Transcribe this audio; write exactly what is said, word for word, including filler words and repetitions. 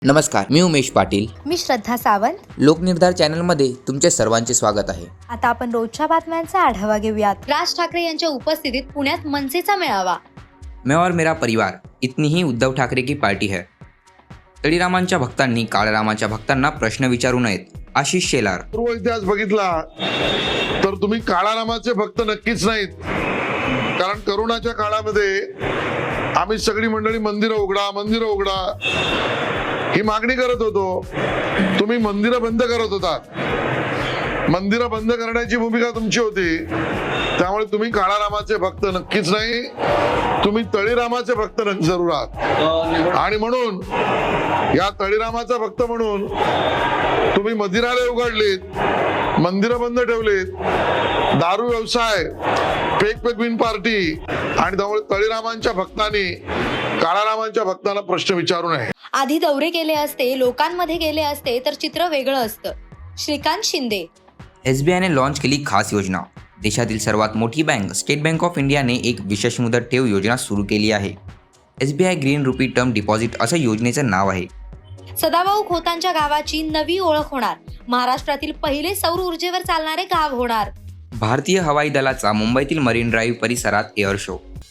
नमस्कार, मी उमेश पाटील. मी श्रद्धा सावंत. लोकनिर्धार चॅनलमध्ये तुमचे सर्वांचे स्वागत आहे. आता आपण रोजच्या बातम्यांचा आढावा घेऊयात. राज ठाकरे यांच्या उपस्थितीत पुण्यात मनसेचा मेळावा. मैं और मेरा परिवार इतनी ही उद्धव ठाकरे की पार्टी है. तळीरामांच्या भक्तांनी काळरामाच्या भक्तांना प्रश्न विचारू नयेत. आशिष शेलार. पूर्व इतिहास बघितला तर तुम्ही काळारामाचे भक्त नक्कीच नाहीत, कारण करोनाच्या काळामध्ये आम्ही सगळी मंडळी मंदिरं उघडा मंदिरं उघडा ही मागणी करत होतो. तुम्ही मंदिरं बंद करत होता. मंदिरं बंद करण्याची भूमिका तुमची होती. त्यामुळे तुम्ही काळारामाचे भक्त नक्कीच नाही, तुम्ही तळीरामाचे भक्त जरूर आहात. आणि म्हणून या तळीरामाचा भक्त म्हणून तुम्ही मदिरालय उघडलीत, मंदिरं बंद ठेवलीत, दारू व्यवसाय, फेक पेगविन पार्टी, आणि त्यामुळे तळीरामांच्या भक्तांनी काळारामांच्या भक्तांना प्रश्न विचारू नये. आधी दौरे केले असते, लोकांमध्ये गेले असते तर चित्र वेगळं असतं. श्रीकांत शिंदे. एसबीआयने लॉन्च केली खास योजना. देशातील सर्वात मोठी बँक स्टेट बँक ऑफ इंडियाने एक विशेष मुदत ठेव योजना सुरू केली आहे. SBI green rupee term deposit असं योजनेचं नाव आहे. सदाभाऊ खोतांच्या गावाची नवी ओळख होणार. महाराष्ट्रातील पहिले सौर ऊर्जेवर चालणारे गाव होणार. भारतीय हवाई दलाचा मुंबईतील मरीन ड्राईव्ह परिसरात एअर शो.